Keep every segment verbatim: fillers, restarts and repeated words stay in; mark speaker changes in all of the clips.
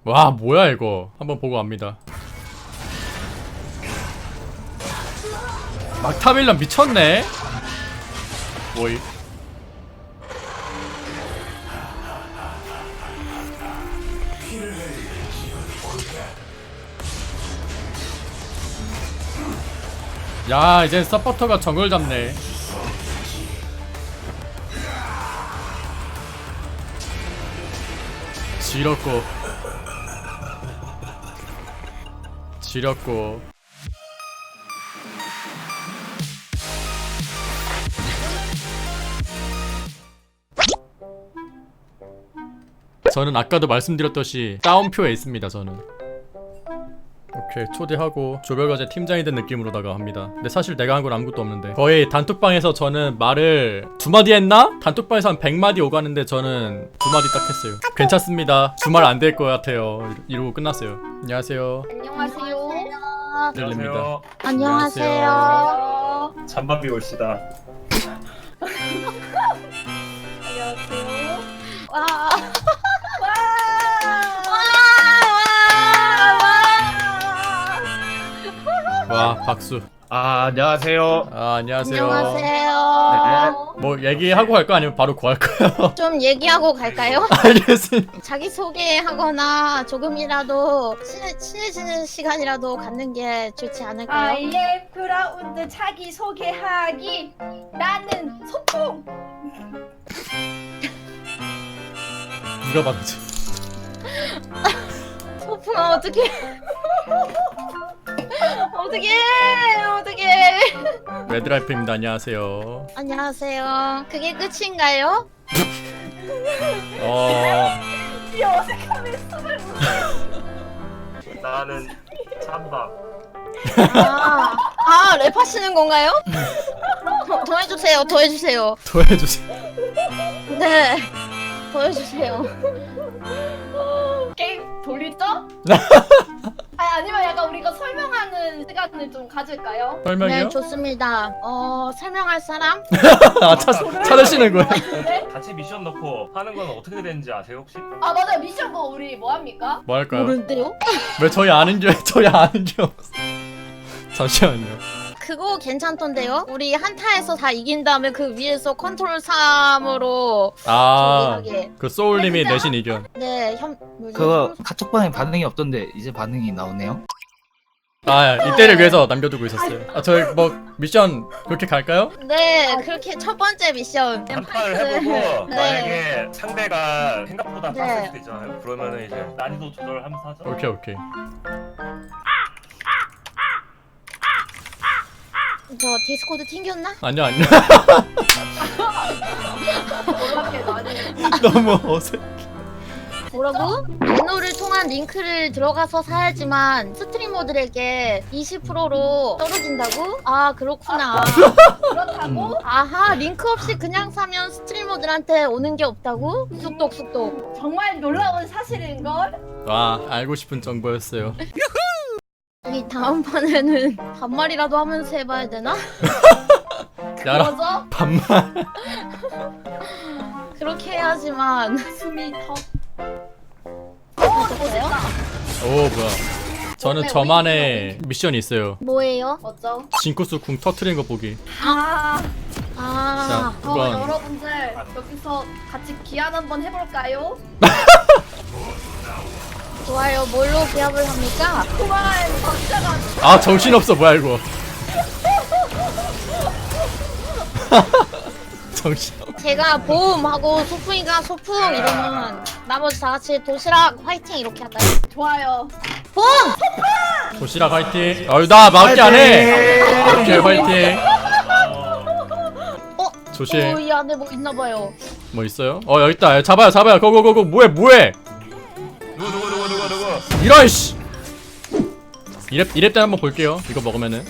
Speaker 1: 와 뭐야 이거. 한번 보고 갑니다. 막타밀런 미쳤네. 뭐이. 야 이제 서포터가 정글 잡네. 지렸고 지렸고 저는 아까도 말씀드렸듯이 다운표에 있습니다. 저는 오케이 초대하고 조별과제 팀장이 된 느낌으로다가 합니다. 근데 사실 내가 한 건 아무것도 없는데 거의 단톡방에서 저는 말을 두 마디 했나? 단톡방에서 한 백 마디 오가는데 저는 두 마디 딱 했어요. 괜찮습니다. 주말 안 될 것 같아요. 이러고 끝났어요. 안녕하세요.
Speaker 2: 안녕하세요.
Speaker 1: 들립니다.
Speaker 2: 안녕하세요.
Speaker 3: 잠밥이 올시다.
Speaker 2: 안녕하세요. 와.
Speaker 1: 와 박수.
Speaker 3: 아 안녕하세요.
Speaker 1: 아 안녕하세요.
Speaker 2: 안녕하세요.
Speaker 1: 뭐 얘기하고 갈까 아니면 바로 구할까요?
Speaker 2: 좀 얘기하고 갈까요?
Speaker 1: 알겠습니다.
Speaker 2: 자기 소개하거나 조금이라도 친해, 친해지는 시간이라도 갖는 게 좋지 않을까요?
Speaker 4: 아이의 그라운드 자기 소개하기. 나는 소풍.
Speaker 1: 누가 봤지?
Speaker 2: 소풍아 어떡해. 어떡해. 어떡해.
Speaker 1: 레드라이프입니다. 안녕하세요.
Speaker 2: 안녕하세요. 그게 끝인가요?
Speaker 1: 어
Speaker 4: 이 어색함에 숨을 못.
Speaker 3: 나는 잠밥.
Speaker 2: 아, 아 랩하시는 건가요? 더, 더 해주세요. 더 해주세요.
Speaker 1: 도와주세요.
Speaker 2: 네. 더 해주세요.
Speaker 4: 게임 돌리죠? 아니 아니면 약간 우리가 설명하는 시간을 좀 가질까요?
Speaker 1: 설명이요?
Speaker 2: 네, 좋습니다. 어, 설명할 사람?
Speaker 1: 아 찾, 찾으시는 거예요?
Speaker 4: 네?
Speaker 3: 같이 미션 넣고 하는 건 어떻게 되는지 아세요 혹시?
Speaker 4: 아 맞아요. 미션 뭐 우리 뭐 합니까?
Speaker 1: 뭐 할까요?
Speaker 2: 모르는데요?
Speaker 1: 왜 저희 아는 게 저희 아는 게 없어? 잠시만요.
Speaker 2: 그거 괜찮던데요? 우리 한타에서 다 이긴 다음에 그 위에서 컨트롤 삼으로
Speaker 1: 아,
Speaker 2: 저기 하게.
Speaker 1: 그 소울님이
Speaker 4: 진짜?
Speaker 1: 내신 의견.
Speaker 2: 네, 현 뭐지?
Speaker 5: 그거 카톡방에 반응이 없던데 이제 반응이 나오네요.
Speaker 1: 아, 이때를 위해서 남겨두고 있었어요. 아, 저희 뭐 미션 그렇게 갈까요?
Speaker 2: 네, 그렇게 첫 번째 미션.
Speaker 3: 한 판을 해보고
Speaker 2: 네.
Speaker 3: 만약에 상대가 생각보다
Speaker 2: 네.
Speaker 3: 빡셀 수도 있잖아요. 그러면은 이제 난이도 조절하면서 하죠.
Speaker 1: 오케이 오케이.
Speaker 2: 저 디스코드 튕겼나?
Speaker 1: 아니요 아니요.
Speaker 4: 놀랍게 많이.
Speaker 1: 너무 어색.
Speaker 2: 뭐라고? 엔노를 통한 링크를 들어가서 사야지만 스트리머들에게 이십 퍼센트로 떨어진다고? 아 그렇구나.
Speaker 4: 그렇다고?
Speaker 2: 아하 링크 없이 그냥 사면 스트리머들한테 오는 게 없다고? 쑥독 쑥독.
Speaker 4: 정말 놀라운 사실인 걸.
Speaker 1: 와 알고 싶은 정보였어요.
Speaker 2: 이 다음 판에는 반말이라도 하면서 해봐야 되나?
Speaker 1: 야라
Speaker 4: 뭐죠?
Speaker 1: 반말.
Speaker 2: 그렇게 해야지만
Speaker 4: 숨이 턱.
Speaker 2: 어떠세요?
Speaker 1: 오 뭐야? 저는 저만의 미션이 있어요.
Speaker 2: 뭐예요?
Speaker 4: 뭐죠?
Speaker 1: 징크스 궁 터트린 거 보기.
Speaker 4: 아,
Speaker 2: 아
Speaker 1: 자,
Speaker 4: 어,
Speaker 1: 그건
Speaker 4: 여러분들 여기서 같이 기한 한번 해볼까요?
Speaker 2: 좋아요. 뭘로 기합을 합니까?
Speaker 4: 그만 박자가.
Speaker 1: 아 정신 없어 뭐야 이거. 정신.
Speaker 2: 제가 보험하고 소풍이가 소풍 이러면 나머지 다 같이 도시락 화이팅 이렇게 할까요?
Speaker 4: 좋아요.
Speaker 2: 보험!
Speaker 1: 도시락 화이팅. 어이 나 막기 안 해. 오케이 화이팅.
Speaker 2: 어?
Speaker 1: 조심.
Speaker 2: 어, 이 안에 뭐 있나봐요.
Speaker 1: 뭐 있어요? 어 여기 있다. 잡아요 잡아요. 고고고고 뭐해 뭐해.
Speaker 3: 누구 누구 누구 누구 누구?
Speaker 1: 이런 씨. 이랩 이랩 때 한번 볼게요. 이거 먹으면은.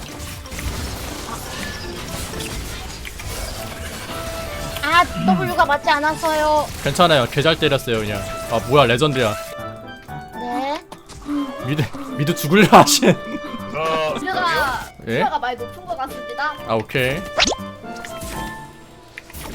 Speaker 2: 아 W가 맞지 않았어요.
Speaker 1: 괜찮아요. 개 잘 때렸어요 그냥. 아 뭐야 레전드야.
Speaker 2: 네.
Speaker 1: 미드 미드 죽을려 하신.
Speaker 3: 저
Speaker 4: 우리가
Speaker 1: 예?
Speaker 4: 수가가 많이 높은 것 같습니다.
Speaker 1: 아 오케이.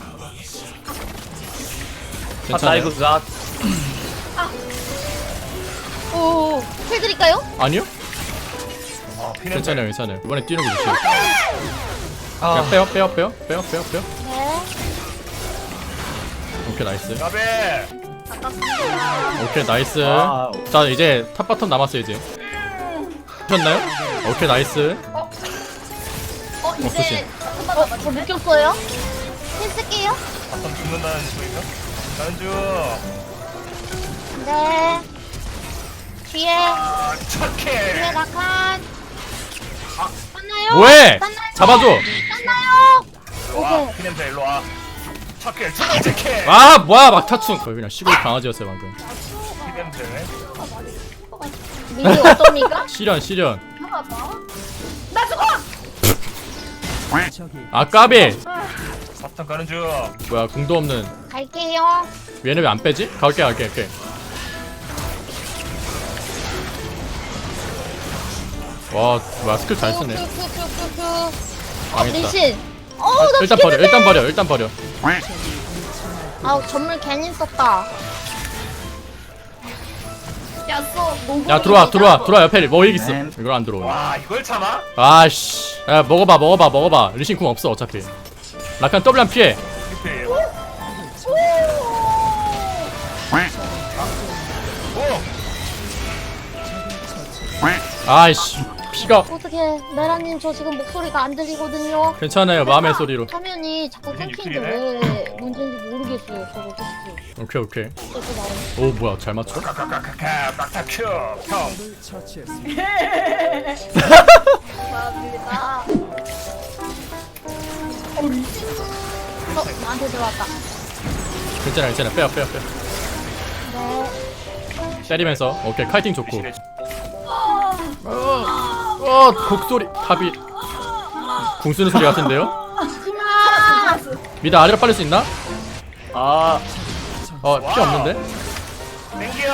Speaker 1: 괜찮아요.
Speaker 5: 나
Speaker 2: 오, 해드릴까요?
Speaker 1: 아니요?
Speaker 3: 아 피는
Speaker 1: 괜찮아요 괜찮아요. 이번에 뛰는 거 조심.
Speaker 5: 아,
Speaker 1: 그냥 빼요 빼요 빼요 빼요 빼요 빼요.
Speaker 2: 네.
Speaker 1: 오케이 나이스.
Speaker 3: 가베.
Speaker 1: 오케이 나이스.
Speaker 5: 아,
Speaker 1: 자 이제 탑 바텀 남았어요 이제. 하셨나요? 오케이 나이스.
Speaker 4: 어
Speaker 1: 없으신.
Speaker 4: 이제 잠깐만
Speaker 2: 어, 저
Speaker 4: 남았네.
Speaker 2: 묶였어요? 했을게요.
Speaker 3: 바텀 죽는다는 소리가? 가는 중.
Speaker 2: 네. 뒤에,
Speaker 3: 아
Speaker 2: 뒤에
Speaker 3: 착해.
Speaker 2: 낙한. 땄나요?
Speaker 1: 뭐해?
Speaker 2: 땄나요?
Speaker 1: 잡아줘.
Speaker 2: 땄나요?
Speaker 3: 일로 와. 피냄새 일로 와. 착해. 착해. 착해.
Speaker 1: 아 뭐야 막타충. 거의 그냥 시골 강아지였어요 방금.
Speaker 3: 피냄새.
Speaker 2: 미니 어떻습니까?
Speaker 1: 시련 시련.
Speaker 4: 하나다. 나 죽어.
Speaker 1: 아 까비.
Speaker 3: 바텀 가는 중.
Speaker 1: 뭐야 궁도 없는.
Speaker 2: 갈게요.
Speaker 1: 얘네 왜 안 빼지? 갈게 갈게 갈게. 와 뭐야 스킬 잘 쓰네.
Speaker 2: 큐큐큐큐큐. 어,
Speaker 1: 망했다.
Speaker 2: 리신. 어, 나
Speaker 1: 일단 버려
Speaker 2: 죽겠는데?
Speaker 1: 일단 버려 일단 버려.
Speaker 2: 아우, 전물 괜히 썼다.
Speaker 4: 야쏘 노고.
Speaker 1: 야 들어와 들어와 들어와 옆에 뭐 이기 있어.
Speaker 5: 네.
Speaker 1: 이걸 안 들어오네.
Speaker 3: 와 이걸 참아?
Speaker 1: 아씨. 야 먹어봐 먹어봐 먹어봐. 리신 궁 없어 어차피. 라칸 더블 안 피해.
Speaker 3: 피피.
Speaker 4: 오.
Speaker 3: 오.
Speaker 1: 아이씨 피가.
Speaker 2: 어떻게 메라님 저 지금 목소리가 안 들리거든요.
Speaker 1: 괜찮아요 마음의 소리로.
Speaker 2: 화면이 자꾸
Speaker 3: 무슨
Speaker 2: 끊기는데
Speaker 3: 육킬이네?
Speaker 2: 왜 문제인지 모르겠어요. 저거 솔직히.
Speaker 1: 오케이 오케이.
Speaker 2: 어떻게 나오는
Speaker 1: 오 뭐야 잘 맞춰?
Speaker 3: 카카카카카 빡타큐. 형.
Speaker 4: 감사합니다.
Speaker 2: 어, 나한테 들어왔다.
Speaker 1: 괜찮아 괜찮아 빼요 빼요 빼요.
Speaker 2: 네.
Speaker 1: 때리면서 오케이 카이팅 좋고.
Speaker 3: 리신의
Speaker 1: 어 곡소리 탑이 궁 쓰는 소리 같은데요?
Speaker 2: 하지마.
Speaker 1: 미드 아래로 빨릴 수 있나?
Speaker 5: 아,
Speaker 1: 어 피 없는데?
Speaker 3: 땡겨.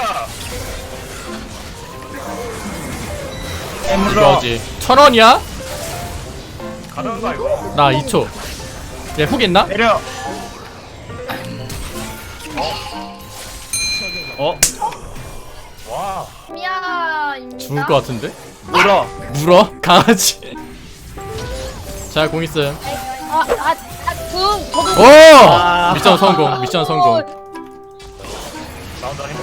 Speaker 5: 에물어.
Speaker 1: 이거지. 천 원이야?
Speaker 3: 가는 거 이거.
Speaker 1: 나 이 초. 얘 훅 있나?
Speaker 5: 내려. 어,
Speaker 3: 와.
Speaker 4: 미야입니다.
Speaker 1: 죽을 것 같은데?
Speaker 5: 물어.
Speaker 1: 물어? 강아지. 자 공 있음.
Speaker 2: 아, 아, 아, 둥. 저도.
Speaker 1: 오!
Speaker 5: 아.
Speaker 1: 미션 성공. 미션 성공.
Speaker 3: 나온다 힘.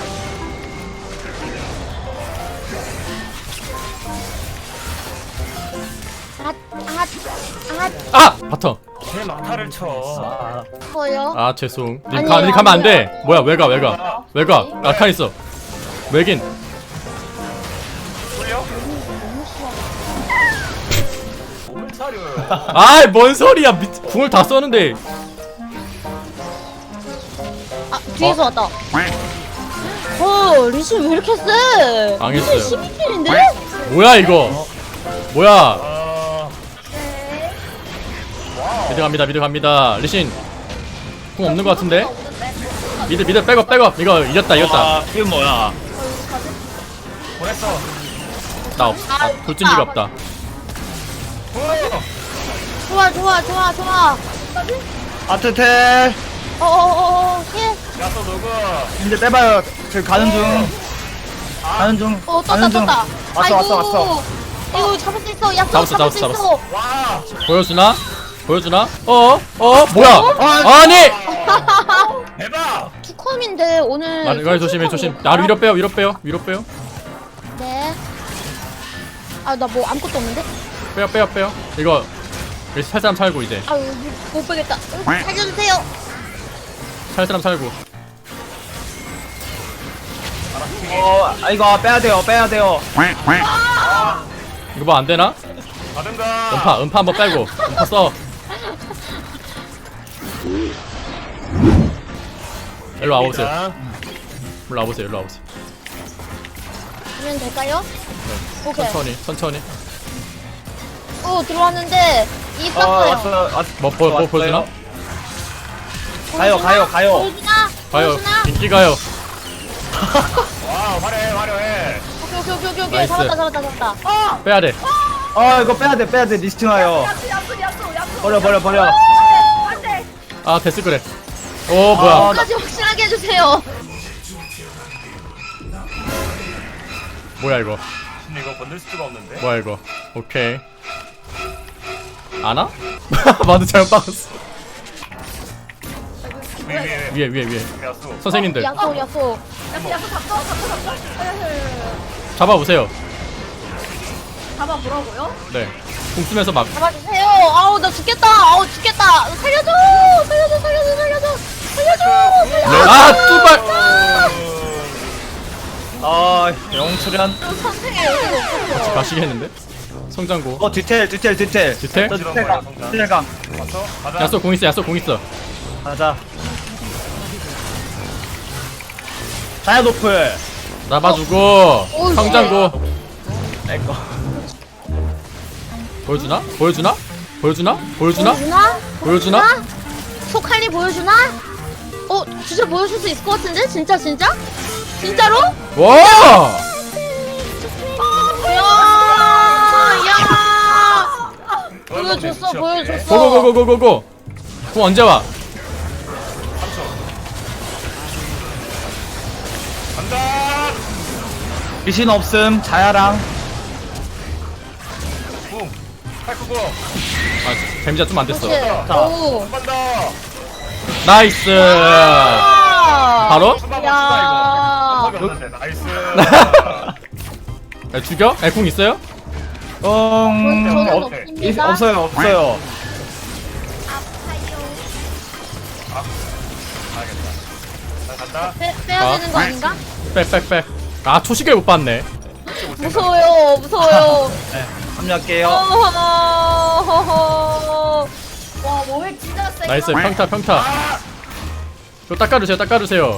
Speaker 2: 아, 아, 아,
Speaker 1: 아 바텀.
Speaker 3: 제 막타를 쳐.
Speaker 2: 뭐요?
Speaker 1: 아 죄송. 님
Speaker 2: 아니에요,
Speaker 1: 가, 님 가면 안 돼.
Speaker 2: 아니에요.
Speaker 1: 뭐야 왜가 왜가 왜가? 라칸 있어. 왜긴?
Speaker 3: 쏠려? 몸을 사려요.
Speaker 1: 아이 뭔 소리야? 미, 궁을 다 썼는데.
Speaker 2: 아, 뒤에서 왔다. 어, 리신 왜 이렇게 세?
Speaker 1: 망했어요.
Speaker 2: 리신 십이 킬인데?
Speaker 1: 뭐야 이거? 뭐야?
Speaker 3: 아. 와우.
Speaker 1: 미드 갑니다. 미드 갑니다. 리신 궁 없는 것 같은데? 미드 미드 백업 백업. 이거 이겼다 이겼다.
Speaker 5: 아, 이게 뭐야?
Speaker 3: 보냈어.
Speaker 1: 나 없. 아, 돌진기가 없다.
Speaker 3: 오.
Speaker 2: 좋아, 좋아, 좋아, 좋아.
Speaker 5: 아트텔.
Speaker 2: 어어어어, 힐.
Speaker 3: 야또 누구?
Speaker 5: 이제 빼봐요. 저 가는 중. 가는 중.
Speaker 2: 어, 떴다,
Speaker 5: 가는 중.
Speaker 2: 떴다.
Speaker 5: 왔어, 왔어, 왔어.
Speaker 2: 이거 잡을 수 있어. 야,
Speaker 1: 잡았어,
Speaker 2: 잡을 수
Speaker 1: 잡았어,
Speaker 2: 있어.
Speaker 3: 와.
Speaker 1: 보여주나? 보여주나? 어? 어? 뭐야? 아니!
Speaker 3: 대박.
Speaker 2: 투컴인데 오늘.
Speaker 1: 마르가리 조심해 조심. 나를 위로 빼요 위로 빼요 위로 빼요.
Speaker 2: 네. 아, 나 뭐 아무것도 없는데?
Speaker 1: 빼요 빼요 빼요. 이거 여기 살 사람 살고 이제.
Speaker 2: 아유, 못 빼겠다. 으, 살려주세요.
Speaker 1: 살 사람 살고.
Speaker 5: 어, 아, 이거 빼야 돼요. 빼야 돼요.
Speaker 1: 이거 뭐 안 되나?
Speaker 3: 가든가.
Speaker 1: 음파 음파 한번 빼고. 음파 써. 일로 와보세요. 일로 와보세요. 일로 와보세요.
Speaker 2: 하면 될까요? 오케이.
Speaker 1: 천천히 천천히.
Speaker 2: 어, 들어왔는데
Speaker 5: 어,
Speaker 2: 있었어요.
Speaker 5: 왔어. 왔어.
Speaker 1: 뭐, 뭐, 뭐 보여주나?
Speaker 5: 가요, 가요, 가요.
Speaker 2: 보여주나?
Speaker 1: 가요.
Speaker 2: 보여주나?
Speaker 1: 인기 가요.
Speaker 3: 와 화려해 화려해.
Speaker 2: 오케이, 오케이, 오케이, 오케이, 오케이.
Speaker 1: 나이스.
Speaker 2: 잡았다, 잡았다, 잡았다.
Speaker 1: 빼야 돼.
Speaker 5: 어, 이거 빼야 돼, 빼야 돼. 리스팅 와요.
Speaker 4: 야쏘 야쏘 야쏘 야쏘.
Speaker 5: 버려, 버려, 버려.
Speaker 4: 안돼.
Speaker 1: 아 됐을 그래. 오 뭐야?
Speaker 5: 아,
Speaker 2: 끝까지 확실하게 해주세요.
Speaker 1: 뭐야 이거?
Speaker 3: 근데 이거 건들 수가 없는데.
Speaker 1: 뭐야 이거? 오케이. 아나? 마드 잘못 박았어.
Speaker 3: 위에 위에
Speaker 1: 위에 위에 위에.
Speaker 3: 위에 야수.
Speaker 1: 선생님들
Speaker 2: 야소 야소.
Speaker 4: 야수 야수 잡죠 잡죠 잡죠.
Speaker 1: 잡아보세요.
Speaker 4: 잡아 보라고요?
Speaker 1: 네. 공 쓰면서 막.
Speaker 2: 잡아주세요. 아우 나 죽겠다. 아우 죽겠다. 살려줘. 살려줘 살려줘 살려줘. 살려줘.
Speaker 1: 네. 아 뚜발.
Speaker 5: 아 영출연.
Speaker 2: 선생님 여기가 없었어.
Speaker 1: 가시겠는데? 성장고.
Speaker 5: 어 뒤텔 뒤텔 뒤텔.
Speaker 1: 뒤텔?
Speaker 5: 저 뒤텔 강. 뒤텔 강.
Speaker 3: 왔어? 가자.
Speaker 1: 야쏘 공 있어. 야쏘 공 있어.
Speaker 5: 가자. 자야 노플.
Speaker 1: 잡아주고.
Speaker 2: 오,
Speaker 1: 성장고.
Speaker 5: 내꺼.
Speaker 1: 보여주나? 보여주나? 보여주나? 보여주나?
Speaker 2: 보여주나?
Speaker 1: 보여주나?
Speaker 2: 소칼리 보여주나? 어 진짜 보여줄 수 있을 것 같은데? 진짜 진짜? 진짜로?
Speaker 1: 와!
Speaker 2: 야! 야! 보여줬어 보여줬어.
Speaker 1: 고고고고고고고. 공 언제 와?
Speaker 3: 간다.
Speaker 5: 리신 없음. 자야랑.
Speaker 3: 붕. 팔구고.
Speaker 1: 아 데미지가 좀 안 됐어.
Speaker 2: 그치?
Speaker 5: 자.
Speaker 2: 오.
Speaker 3: 한번 더.
Speaker 1: 나이스.
Speaker 2: 아!
Speaker 1: 바로?
Speaker 3: 수박
Speaker 2: 야.
Speaker 3: 없다 이거. 없는데 나이스.
Speaker 1: 야, 죽여? 에, 공 있어요?
Speaker 5: 음.
Speaker 2: 저는
Speaker 5: 없,
Speaker 2: 없습니다.
Speaker 5: 없어요 없어요.
Speaker 3: 알겠다. 나 간다.
Speaker 2: 빼, 빼야
Speaker 1: 아.
Speaker 2: 되는 거 아닌가?
Speaker 1: 빽빽빽. 아 초식을 못 봤네.
Speaker 2: 무서워요 무서워요.
Speaker 5: 네. 합류할게요.
Speaker 2: 어허허허.
Speaker 4: 와 뭐해 진짜 세.
Speaker 1: 나이스 평타 평타. 이거 닦아주세요 닦아주세요.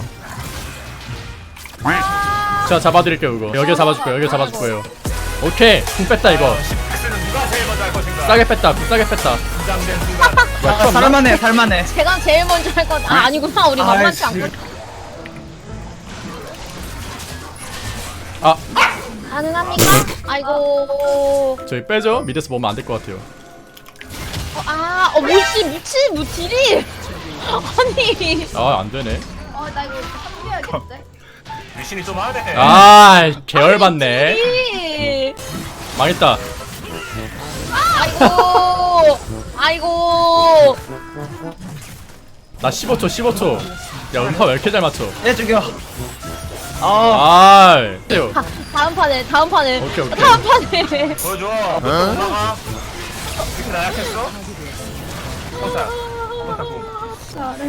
Speaker 1: 제가 잡아드릴게요 이거. 여기 잡아줄 거예요 여기 잡아줄 거예요. 오케이 궁 뺐다 이거.
Speaker 3: 는 누가 제일 먼저 할 것인가?
Speaker 1: 싸게 뺐다 궁 싸게 뺐다.
Speaker 3: 긴장된 순간.
Speaker 5: 아, 살만해 살만해.
Speaker 2: 제가 제일 먼저 할 건 아 아니구나 우리 만만치
Speaker 5: 아이씨.
Speaker 2: 않거든.
Speaker 1: 아
Speaker 2: 가능합니까? 아이고.
Speaker 1: 저희 빼죠. 미드에서 보면 안 될 것 같아요.
Speaker 2: 어, 아, 어 뭐지 미친 뭐 딜이. 아니.
Speaker 1: 아 안되네.
Speaker 4: 어나 이거 합류해야겠는데.
Speaker 3: 리신이 좀 하네.
Speaker 1: 아 계열받네.
Speaker 2: 딜이.
Speaker 1: 망했다.
Speaker 2: 아이고. 아이고.
Speaker 1: 나 십오 초 십오 초. 야 음파 왜 이렇게 잘 맞춰?
Speaker 5: 얘 죽여. 아.
Speaker 1: 아 떼요.
Speaker 2: 다, 다음 판에 다음 판에.
Speaker 1: 오케이, 오케이.
Speaker 2: 다음 판에.
Speaker 3: 보여줘. 올라가. 이렇게 나약했어? 형사. 형사 공.
Speaker 4: 잘해.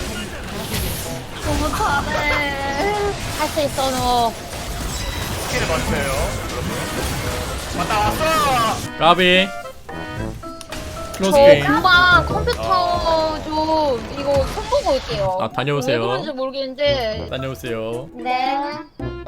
Speaker 4: 너무 잘해.
Speaker 2: 할 수 있어 너.
Speaker 3: 스킬을 봐주세요. 여러분. 왔다 왔어.
Speaker 1: 까비. 클로즈
Speaker 2: 저
Speaker 1: 게임.
Speaker 2: 금방 컴퓨터 좀 이거 손 보고 올게요.
Speaker 1: 아, 다녀오세요.
Speaker 2: 왜 그런지 모르겠는데.
Speaker 1: 다녀오세요.
Speaker 2: 네.